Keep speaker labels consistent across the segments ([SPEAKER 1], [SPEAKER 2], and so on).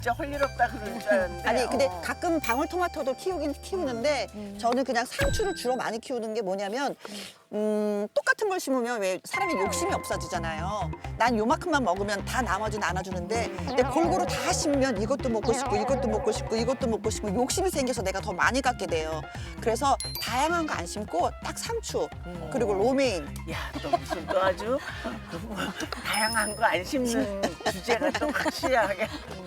[SPEAKER 1] 진짜 할 일 없다 그러는 줄 알았는데.
[SPEAKER 2] 아니 근데 가끔 방울토마토도 키우긴 키우는데 저는 그냥 상추를 주로 많이 키우는 게 뭐냐면 똑같은 걸 심으면 왜 사람이 욕심이 없어지잖아요. 난 요만큼만 먹으면 다 나머지 나눠주는데 근데 골고루 다 심으면 이것도 먹고 싶고 이것도 먹고 싶고 이것도 먹고 싶고 욕심이 생겨서 내가 더 많이 갖게 돼요. 그래서 다양한 거 안 심고 딱 상추 그리고 로메인.
[SPEAKER 1] 야, 너 무슨 또 아주 다양한 거 안 심는 주제가 또 확실하게.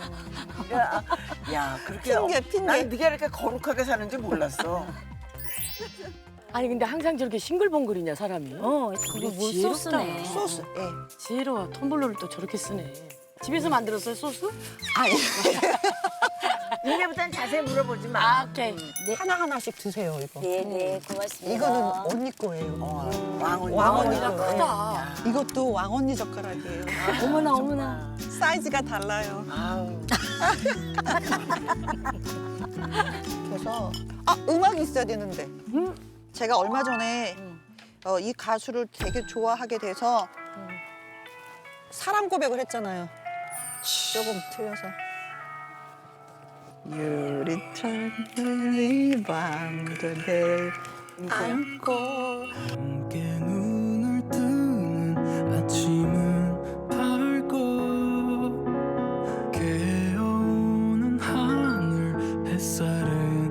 [SPEAKER 1] 야, 그렇게
[SPEAKER 2] 핑계.
[SPEAKER 1] 난 네가 이렇게 거룩하게 사는지 몰랐어.
[SPEAKER 3] 아니 근데 항상 저렇게 싱글벙글이냐 사람이.
[SPEAKER 4] 그거 물
[SPEAKER 3] 지혜롭다.
[SPEAKER 4] 소스네.
[SPEAKER 2] 소스. 예.
[SPEAKER 3] 지혜로워. 텀블러를 또 저렇게 쓰네. 집에서 만들었어요 소스?
[SPEAKER 2] 아니
[SPEAKER 1] 이제부터는 자세히 물어보지 마.
[SPEAKER 3] 아 오케이.
[SPEAKER 2] 하나 하나씩 드세요 이거.
[SPEAKER 4] 네네 고맙습니다.
[SPEAKER 2] 이거는 언니 거예요.
[SPEAKER 1] 왕언니.
[SPEAKER 2] 왕언니가
[SPEAKER 1] 거.
[SPEAKER 3] 크다.
[SPEAKER 2] 이것도 왕언니 젓가락이에요.
[SPEAKER 4] 어머나 어머나.
[SPEAKER 2] 사이즈가 달라요.
[SPEAKER 1] 아우.
[SPEAKER 2] 그래서 음악이 있어야 되는데 제가 얼마 전에 이 가수를 되게 좋아하게 돼서 사랑 고백을 했잖아요. 조금 틀려서. 유리창을 밤그대 안고
[SPEAKER 5] 함께 눈을 뜨는 아침은 밝고 깨어오는 하늘 햇살은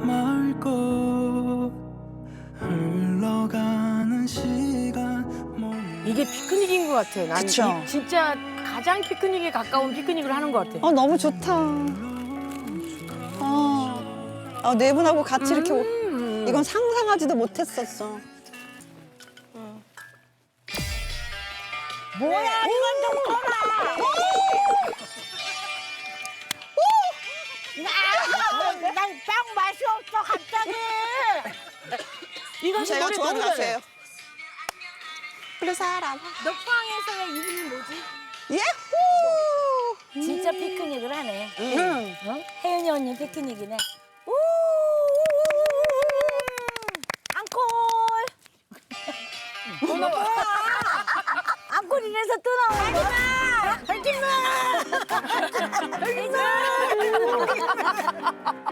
[SPEAKER 5] 맑고 흘러가는 시간
[SPEAKER 3] 이게 피크닉인 것 같아. 난
[SPEAKER 2] 그쵸?
[SPEAKER 3] 진짜 가장 피크닉에 가까운 피크닉을 하는 것 같아.
[SPEAKER 2] 너무 좋다. 네 분하고 같이 이렇게 이건 상상하지도 못했었어.
[SPEAKER 4] 뭐야 이건 좀 커라. 난빵 맛이 없어 갑자기.
[SPEAKER 3] 이건
[SPEAKER 2] 제가
[SPEAKER 3] 노래
[SPEAKER 2] 좋아하는
[SPEAKER 3] 너무 잘해.
[SPEAKER 2] 가수예요. 그래 사람.
[SPEAKER 4] 녹방에서의 이름이 뭐지?
[SPEAKER 2] 예후!
[SPEAKER 4] 진짜 피크닉을 하네. 어? 혜연이 언니 피크닉이네. 우! 앙콜. 어머 뭐야? 앙콜 이래서 또 나오는 거야? 하지마! 하지마! 하지마!